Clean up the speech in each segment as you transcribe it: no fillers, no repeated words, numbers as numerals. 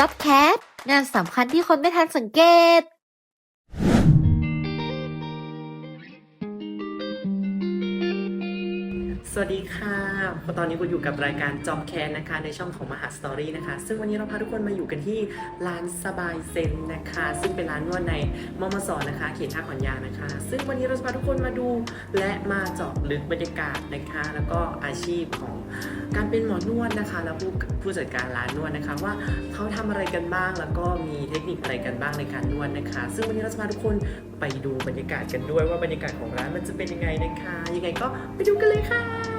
JobCat งานสำคัญที่คนไม่ทันสังเกตสวัสดีค่ะตอนนี้กูอยู่กับรายการ JobCat นะคะในช่องของมหาสตอรี่นะคะซึ่งวันนี้เราพาทุกคนมาอยู่กันที่ร้านสบายเซนนะคะซึ่งเป็นร้านนวดในมมสนะคะเขตท่าขอนยางนะคะซึ่งวันนี้เราจะพาทุกคนมาดูและมาเจาะลึกบรรยากาศนะคะแล้วก็อาชีพของการเป็นหมอนวดนะคะแล้วผู้จัดการร้านนวดนะคะว่าเขาทำอะไรกันบ้างแล้วก็มีเทคนิคอะไรกันบ้างในการนวดนะคะซึ่งวันนี้เราจะพาทุกคนไปดูบรรยากาศกันด้วยว่าบรรยากาศของร้านมันจะเป็นยังไงนะคะยังไงก็ไปดูกันเลยค่ะ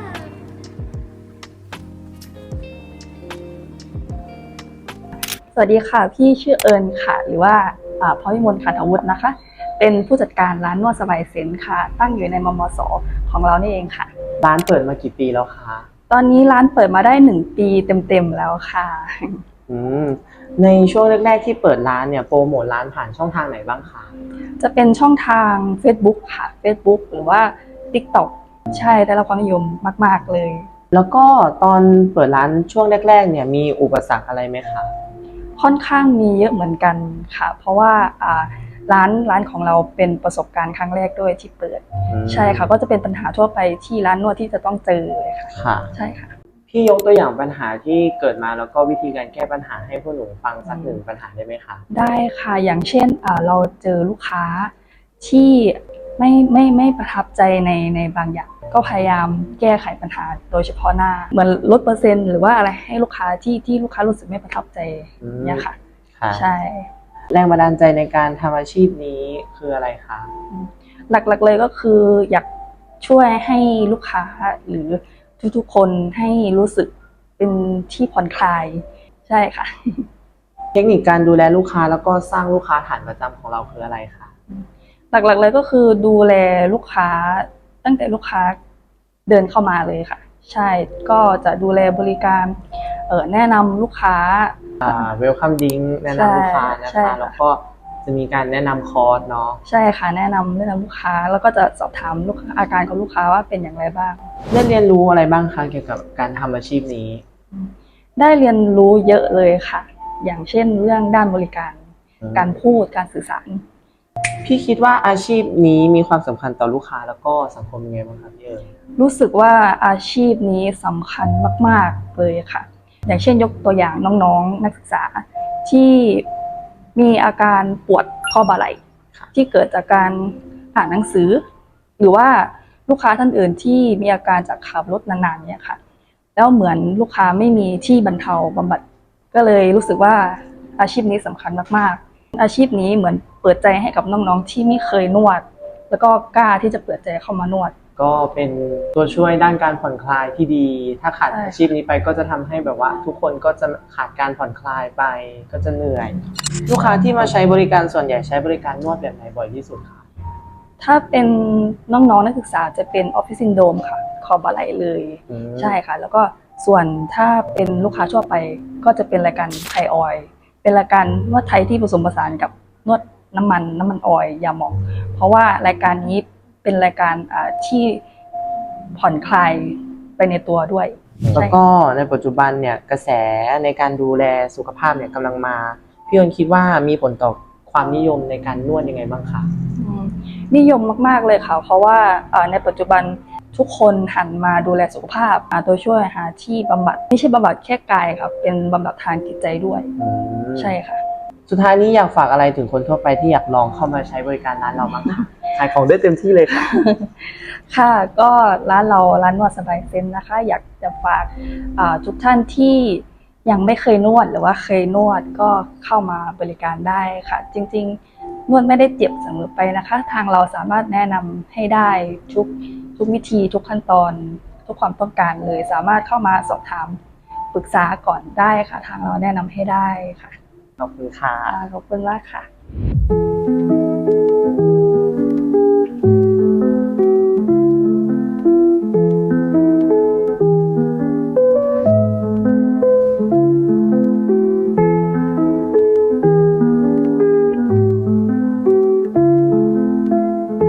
สวัสดีค่ะพี่ชื่อเอิญค่ะหรือว่าพรพิมลขันอาวุธนะคะเป็นผู้จัดการร้านนวดสบายเซนค่ะตั้งอยู่ในมมสของเรานี่เองค่ะร้านเปิดมากี่ปีแล้วคะตอนนี้ร้านเปิดมาได้1 ปีเต็มๆแล้วค่ะในช่วงแรกๆที่เปิดร้านเนี่ยโปรโมทร้านผ่านช่องทางไหนบ้างคะจะเป็นช่องทาง Facebook ค่ะ Facebook หรือว่า TikTok ใช่ได้รับความนิยมมากๆเลยแล้วก็ตอนเปิดร้านช่วงแรกๆเนี่ยมีอุปสรรคอะไรไหมคะค่อนข้างมีเยอะเหมือนกันค่ะเพราะว่าร้านของเราเป็นประสบการณ์ครั้งแรกด้วยที่เปิดใช่ค่ะก็จะเป็นปัญหาทั่วไปที่ร้านนวดที่จะต้องเจอเลยค่ะใช่ค่ะพี่ยกตัวอย่างปัญหาที่เกิดมาแล้วก็วิธีการแก้ปัญหาให้พวกหนูฟังสัก1ปัญหาได้ไหมคะได้ค่ะอย่างเช่นเราเจอลูกค้าที่ไม่ประทับใจในบางอย่างก็พยายามแก้ไขปัญหาโดยเฉพาะหน้าเหมือนลดเปอร์เซ็นต์หรือว่าอะไรให้ลูกค้าที่ลูกค้ารู้สึกไม่ประทับใจเนี่ยค่ะใช่แรงบันดาลใจในการทำอาชีพนี้คืออะไรคะหลักๆเลยก็คืออยากช่วยให้ลูกค้าหรือทุกๆคนให้รู้สึกเป็นที่ผ่อนคลายใช่ค่ะเทคนิคการดูแลลูกค้าแล้วก็สร้างลูกค้าฐานประจำของเราคืออะไรคะหลักๆเลยก็คือดูแลลูกค้าตั้งแต่ลูกค้าเดินเข้ามาเลยค่ะใช่ก็จะดูแลบริการแนะนำลูกค้า welcome drink แนะนำลูกค้านะคะแล้วก็จะมีการแนะนำคอร์สเนาะใช่ค่ะแนะนำลูกค้าแล้วก็จะสอบถามลูกค้าอาการของลูกค้าว่าเป็นอย่างไรบ้างได้เรียนรู้อะไรบ้างคะเกี่ยวกับการทำอาชีพนี้ได้เรียนรู้เยอะเลยค่ะอย่างเช่นเรื่องด้านบริการการพูดการสื่อสารพี่คิดว่าอาชีพนี้มีความสำคัญต่อลูกค้าแล้วก็สังคมยังไงบ้างครับพี่เอ๋รู้สึกว่าอาชีพนี้สำคัญมากๆเลยค่ะอย่างเช่นยกตัวอย่างน้องๆนักศึกษาที่มีอาการปวดข้อบ่าไหล่ที่เกิดจากการอ่านหนังสือหรือว่าลูกค้าท่านอื่นที่มีอาการจากขับรถนานๆเนี่ยค่ะแล้วเหมือนลูกค้าไม่มีที่บรรเทาบำบัดก็เลยรู้สึกว่าอาชีพนี้สำคัญมากๆอาชีพนี้เหมือนเปิดใจให้กับน้องๆที่ไม่เคยนวดแล้วก็กล้าที่จะเปิดใจเข้ามานวดก็เป็นตัวช่วยด้านการผ่อนคลายที่ดีถ้าขาดอาชีพนี้ไปก็จะทำให้แบบว่าทุกคนก็จะขาดการผ่อนคลายไปก็จะเหนื่อยลูกค้าที่มาใช้บริการส่วนใหญ่ใช้บริการนวดแบบไหนบ่อยที่สุดคะถ้าเป็นน้องๆนักศึกษาจะเป็นออฟฟิศซินโดรมค่ะคอบ่าไหล่เลยใช่ค่ะแล้วก็ส่วนถ้าเป็นลูกค้าทั่วไปก็จะเป็นรายการไทยออยล์เป็นรายการนวดไทยที่ผสมผสานกับนวดน้ำมันออยล์ยาหมองเพราะว่ารายการนี้เป็นรายการที่ผ่อนคลายไปในตัวด้วยแล้วก็ในปัจจุบันเนี่ยกระแสในการดูแลสุขภาพเนี่ยกำลังมาพี่เอิญคิดว่ามีผลต่อความนิยมในการนวดยังไงบ้างคะนิยมมากๆเลยค่ะเพราะว่าในปัจจุบันทุกคนหันมาดูแลสุขภาพตัวช่วยหาที่บำบัดไม่ใช่บำบัดแค่กายค่ะเป็นบำบัดทางจิตใจด้วยใช่ค่ะสุดท้ายนี้อยากฝากอะไรถึงคนทั่วไปที่อยากลองเข้ามาใช้บริการร้านเราบ้างคะขายของได้เต็มที่เลยค่ะค่ะก็ร้านนวดสบายเซนนะคะอยากจะฝากทุกท่านที่ยังไม่เคยนวดหรือว่าเคยนวดก็เข้ามาบริการได้ค่ะจริงๆนวดไม่ได้เจ็บเสมอไปนะคะทางเราสามารถแนะนำให้ได้ทุกวิธีทุกขั้นตอนทุกความต้องการเลยสามารถเข้ามาสอบถามปรึกษาก่อนได้ค่ะทางเราแนะนำให้ได้ค่ะขอบคุณค่ะขอบคุณมากค่ะ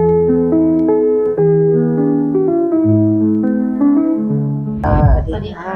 สวัสดีค่ะ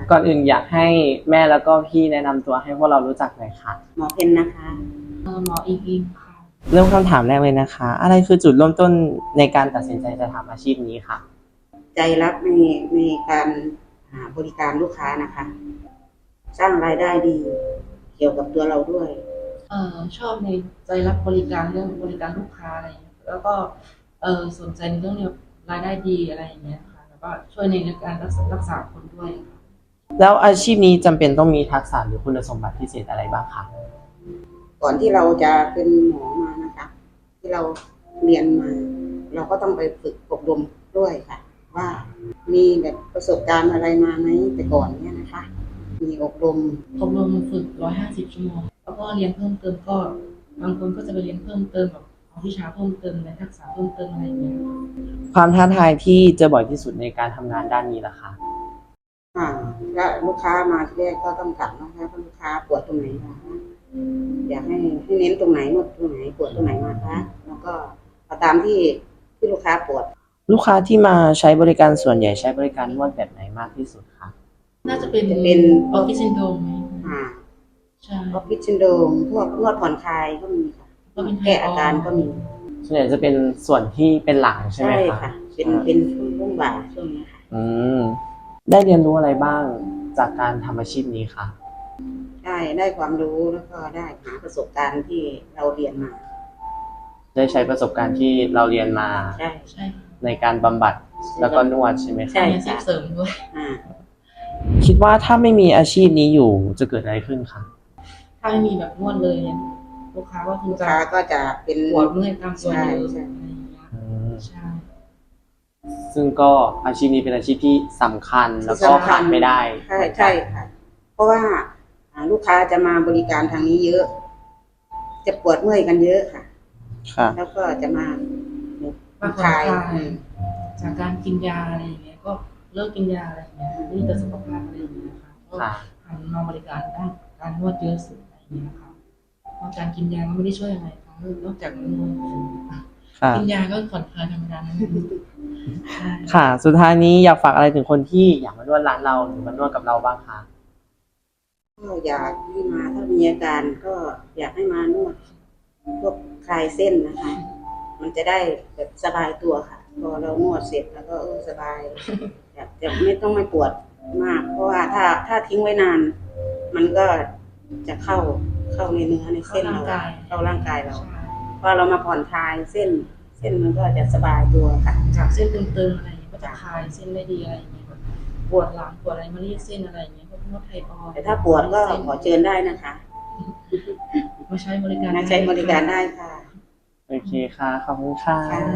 ก่อนอื่นอยากให้แม่แล้วก็พี่แนะนำตัวให้พวกเรารู้จักหน่อยค่ะหมอเพนนะคะหมออิงค่ะเริ่มคำถามแรกเลยนะคะ อะไรคือจุดเริ่มต้นในการตัดสินใจจะทำอาชีพนี้ค่ะใจรักในการบริการลูกค้านะคะ สร้างรายได้ดี เกี่ยวกับตัวเราด้วยชอบในใจรับบริการเรื่องบริการลูกค้าอะไรอย่างเงี้ยแล้วก็สนใจในเรื่องรายได้ดีอะไรอย่างเงี้ยค่ะแล้วก็ช่วยในเรื่องการรักษาคนด้วยค่ะแล้วอาชีพนี้จำเป็นต้องมีทักษะหรือคุณสมบัติพิเศษอะไรบ้างคะก่อนที่เราจะเป็นหมอมานะคะ ที่เราเรียนมา เราก็ต้องไปฝึกอบรมด้วยค่ะ ว่ามีแบบประสบการณ์อะไรมาไหมแต่ก่อนเนี่ยนะคะ มีอบรมอบรมฝึก150 ชั่วโมงแล้วก็เรียนเพิ่มเติมก็บางคนก็จะไปเรียนเพิ่มเติมแบบเอาวิชาเพิ่มเติมในทักษะเพิ่มเติมอะไรอย่างเงี้ยค่ะความท้าทายที่เจอบ่อยที่สุดในการทำงานด้านนี้ล่ะคะและลูกค้ามาที่แรกก็ต้องถามนะคะว่าลูกค้าปวดตรงไหนคะอยากให้เน้นตรงไหนนวดตรงไหนปวดตรงไหนมาคะแล้วก็เอาตามที่ลูกค้าปวดลูกค้าที่มาใช้บริการส่วนใหญ่ใช้บริการนวดแบบไหนมากที่สุดคะน่าจะเป็นจะเป็นออฟฟิศซินโดรมไหม ใช่ออฟฟิศซินโดรมพวกนวดผ่อนคลายก็มีค่ะก็เป็นแก้อาการก็มีส่วนใหญ่จะเป็นส่วนที่เป็นหลังใช่ไหมคะค่ะ เป็นช่วงบ่ายช่วงนี้ค่ะอืมได้เรียนรู้อะไรบ้างจากการทำอาชีพนี้คะได้ความรู้แล้วก็ได้หาประสบการณ์ที่เราเรียนมาได้ใช้ประสบการณ์ที่เราเรียนมาใช่ใช่ค่ะในการบำบัดแล้วก็นวดใช่ไหมใช่คะมีอาชีพเสริมด้วยอ่าคิดว่าถ้าไม่มีอาชีพนี้อยู่จะเกิดอะไรขึ้นคะถ้าไม่มีแบบนวดเลยเนี่ยลูกค้าก็คงลูกจะค้าก็จะเป็นปวดเมื่อยตามตัวเยอะใช่อะไรอย่างเงี้ยอืมใช่ซึ่งก็อาชีพนี้เป็นอาชีพที่สำคัญแล้วก็ขาดไม่ได้ใช่ค่ะ เพราะว่าลูกค้าจะมาบริการทางนี้เยอะ จะปวดเมื่อยกันเยอะค่ะค่ะแล้วก็จะมามาผ่อนคลายจากการกินยาอะไรอย่างเงี้ยก็เลิกกินยาอะไรอย่างเงี้ยนี่แต่สุขภาพอะไรอย่างเงี้ยค่ะก็ค่ะหันมาบริการด้านการนวดเยอะสุดอะไรอย่างเงี้ยค่ะเพราะการกินยาก็ไม่ได้ช่วยอะไรค่ะนอกจากนวดค่ะกินยาก็ผ่อนคลายธรรมดานั่นเองใช่ค่ะ สุดท้ายนี้อยากฝากอะไรถึงคนที่อยากมานวดร้านเราหรือมานวดกับเราบ้างคะก็อยากให้มาถ้ามีอาการก็อยากให้มานวดพวกคลายเส้นนะคะ มันจะได้แบบสบายตัวค่ะ พอเรานวดเสร็จแล้วก็สบายจะไม่ต้องไม่ปวดมาก เพราะว่าถ้าทิ้งไว้นาน มันก็จะเข้าในเนื้อในเส้นเราเข้าร่างกายเราใช่พอเรามาผ่อนคลายเส้นมันก็จะสบายตัวค่ะจากเส้นตึงๆอะไรอย่างเงี้ยก็จะคลายเส้นได้ดีอะไรอย่างเงี้ยแบบปวดหลังปวดอะไรมาเรียกเส้นอะไรอย่างเงี้ยพวกนวดไทยออยแต่ถ้าปวดก็ขอเชิญได้นะคะมาใช้บริการมาใช้บริการได้ค่ะโอเคค่ะ ขอบคุณค่ะค่ะ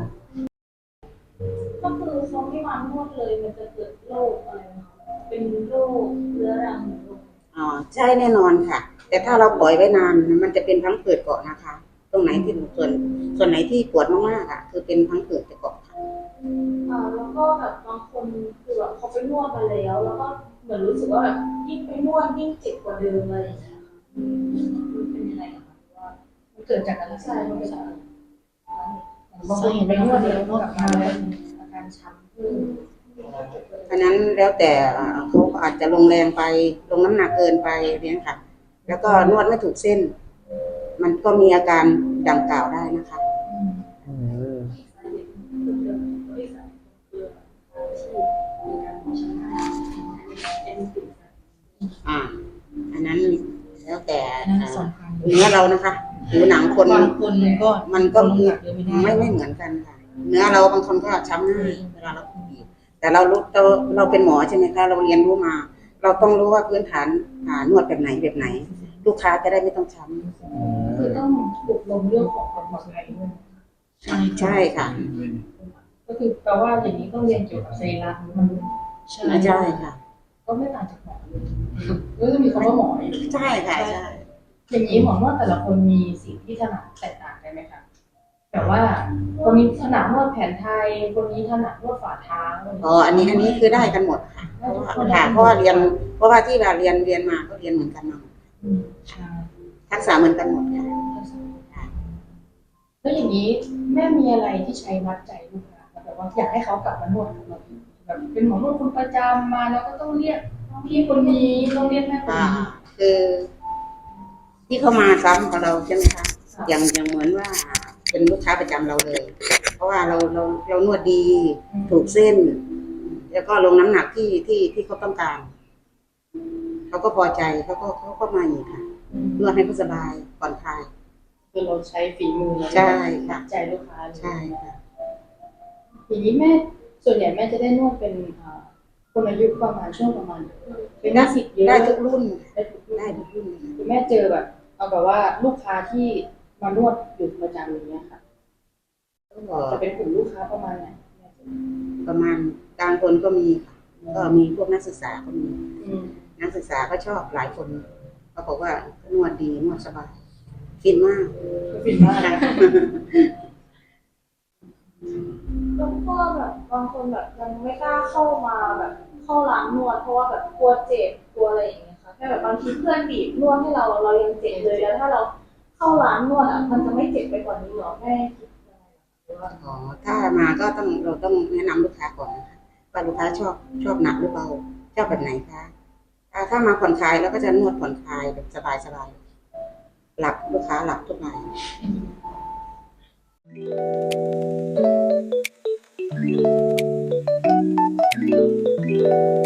ก็คือเขาไม่มานวดเลยมันจะเกิดโรคอะไรนะคะเป็นโรคเรื้อรังหรือโรคอ๋อใช่แน่นอนค่ะ แต่ถ้าเราปล่อยไว้นานมันจะเป็นพังผืดเกาะนะคะ ตรงไหนที่ส่วนไหนที่ปวดมากๆอ่ะ คือเป็นพังผืดจะเกาะค่ะแล้วก็แบบบางคนคือแบบเขาไปนวดมาแล้ว แล้วก็เหมือนรู้สึกว่าแบบยิ่งไปนวดยิ่งเจ็บกว่าเดิมอะไรอย่างเงี้ยค่ะมันเป็นยังไงอะคะว่ามันเกิดจากอะไรใช่มันเกิดจากอะไรบางคนไปนวดแล้วนวดมาแล้วอาการช้ำขึ้นเพราะนั้นแล้วแต่เขาก็อาจจะลงแรงไปลงน้ำหนักเกินไปเนี่ยค่ะ แล้วก็นวดไม่ถูกเส้น มันก็มีอาการดังกล่าวได้นะคะอืมอันนั้นแล้วแต่นั่นสำคัญเนื้อเรานะคะหรือหนังคนบางคนก็มันก็ลงหนักเยอะไม่ได้ไม่เหมือนกันค่ะ เนื้อเราบางคนก็ช้ำง่ายเวลาเราบีบแต่เราเป็นหมอใช่ไหมคะเราเรียนรู้มา เราต้องรู้ว่าพื้นฐานนวดแบบไหน ลูกค้าจะได้ไม่ต้องช้ำคือต้องอบรมเรื่องของความปลอดภัยด้วยใช่ค่ะก็คือแปลว่าอย่างนี้ต้องเรียนเกี่ยวกับสรีระมันใช่ใช่ค่ะก็ไม่ต่างจากหมอเลยก็จะมีคำว่าหมออยู่ใช่ค่ะใช่อย่างนี้หมอนวดแต่ละคนมีสิ่งที่ถนัดแตกต่างกันไหมคะแบบว่าคนนี้ถนัดนวดแผนไทย คนนี้ถนัดนวดฝ่าเท้าอ๋ออันนี้คือได้กันหมดค่ะเพราะว่าที่เราเรียนมาก็เรียนเหมือนกันมาหมดใช่ทักษะเหมือนกันหมดค่ะแล้วอย่างนี้แม่มีอะไรที่ใช้มัดใจลูกค้าแบบว่าอยากให้เขากลับมานวดกับเราอีกแบบเป็นหมอนวดคนประจำมาแล้วก็ต้องเรียกพี่คนนี้ต้องเรียกแม่คนค่ะนี้คือที่เขามาซ้ำกับเราใช่ไหมคะอย่างเหมือนว่าเป็นลูกค้าประจำเราเลย เพราะว่าเรานวดดีถูกเส้น แล้วก็ลงน้ำหนักที่เขาต้องการเขาก็พอใจเขาก็มาอีกค่ะนวดให้เขาสบายผ่อนคลายคือเราใช้ฝีมือใช่ค่ะใจลูกค้าเลยใช่ค่ะทีนี้แม่ส่วนใหญ่แม่จะได้นวดเป็นคนอายุประมาณช่วงประมาณเป็นนิสิตเยอะได้ทุกรุ่นได้ทุกรุ่นได้ทุกรุ่นคือแม่เจอแบบเอาแบบว่าลูกค้าที่มานวดอยู่ประจำอย่างเงี้ยค่ะก็จะเป็นกลุ่มลูกค้าประมาณไหนประมาณกลางคนก็มีค่ะก็มีพวกนักศึกษาก็มีอืมนักศึกษาก็ชอบหลายคนเขาบอกว่านวดดีนวดสบายฟินมากก็ฟินมากนะแล้วก็แบบบางคนแบบยังไม่กล้าเข้ามาแบบเข้าร้านนวดเพราะว่าแบบกลัวเจ็บกลัวอะไรอย่างเงี้ยค่ะแค่แบบบางทีเพื่อนบีบนวดให้เรายังเจ็บเลยแล้วถ้าเราเข้าร้านนวดอ่ะมันจะไม่เจ็บไปกว่านี้หรอแม่คิดยังไงหรือว่าอ๋อถ้ามาก็เราต้องแนะนำลูกค้าก่อนนะคะว่าลูกค้าชอบหนักหรือเบาชอบแบบไหนคะถ้ามาผ่อนคลายแล้วก็จะนวดผ่อนคลายแบบสบายหลับลูกค้าหลับทุกราย Thank you.